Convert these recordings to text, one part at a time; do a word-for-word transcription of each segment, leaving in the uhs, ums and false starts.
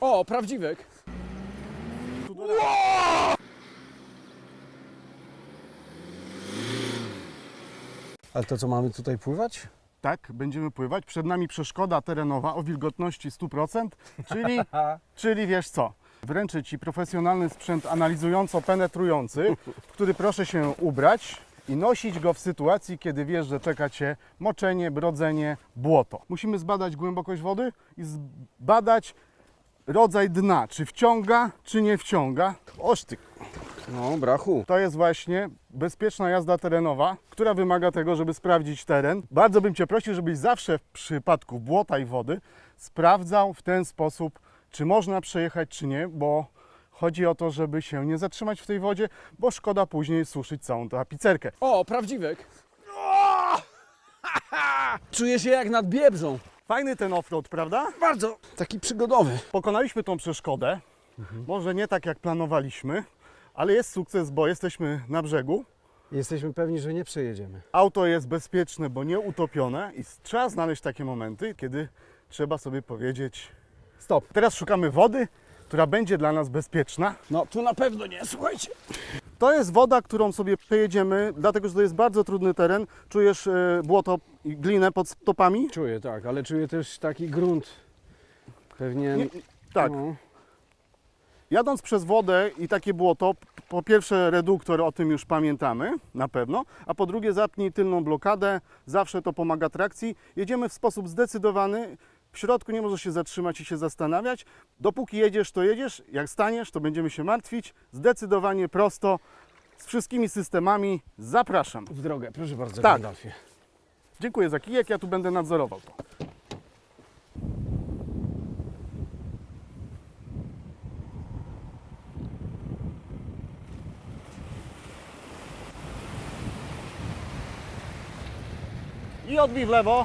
O, prawdziwek. Ale to co, mamy tutaj pływać? Tak, będziemy pływać. Przed nami przeszkoda terenowa o wilgotności sto procent, czyli, czyli wiesz co? Wręczę Ci profesjonalny sprzęt analizująco-penetrujący, w który proszę się ubrać i nosić go w sytuacji, kiedy wiesz, że czeka Cię moczenie, brodzenie, błoto. Musimy zbadać głębokość wody i zbadać rodzaj dna, czy wciąga, czy nie wciąga. Oż ty. No, brachu. To jest właśnie bezpieczna jazda terenowa, która wymaga tego, żeby sprawdzić teren. Bardzo bym Cię prosił, żebyś zawsze w przypadku błota i wody sprawdzał w ten sposób, czy można przejechać, czy nie, bo chodzi o to, żeby się nie zatrzymać w tej wodzie, bo szkoda później suszyć całą tapicerkę. O, prawdziwek. Czuję się jak nad Biebrzą. Fajny ten offroad, prawda? Bardzo. Taki przygodowy. Pokonaliśmy tą przeszkodę, mhm. może nie tak jak planowaliśmy, ale jest sukces, bo jesteśmy na brzegu. Jesteśmy pewni, że nie przejedziemy. Auto jest bezpieczne, bo nie utopione i trzeba znaleźć takie momenty, kiedy trzeba sobie powiedzieć Stop. Teraz szukamy wody, która będzie dla nas bezpieczna. No, tu na pewno nie, słuchajcie. To jest woda, którą sobie przejedziemy, dlatego że to jest bardzo trudny teren. Czujesz e, błoto i glinę pod stopami? Czuję, tak, ale czuję też taki grunt. Pewnie... Nie, tak. No. Jadąc przez wodę i takie błoto, po pierwsze reduktor, o tym już pamiętamy na pewno, a po drugie zapnij tylną blokadę, zawsze to pomaga trakcji. Jedziemy w sposób zdecydowany, w środku nie możesz się zatrzymać i się zastanawiać. Dopóki jedziesz, to jedziesz, jak staniesz, to będziemy się martwić. Zdecydowanie prosto, z wszystkimi systemami. Zapraszam. W drogę, proszę bardzo, Tak. Gandalfie. Dziękuję za kijek, ja tu będę nadzorował to. I odbij w lewo.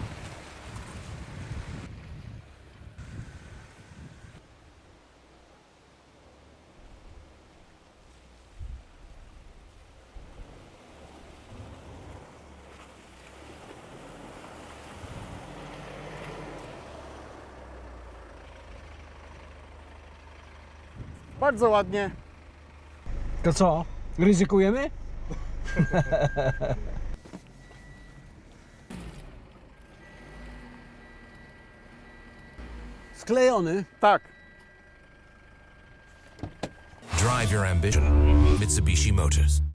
Bardzo ładnie. To co? Ryzykujemy? Sklejony. Tak. Drive your ambition. Mitsubishi Motors.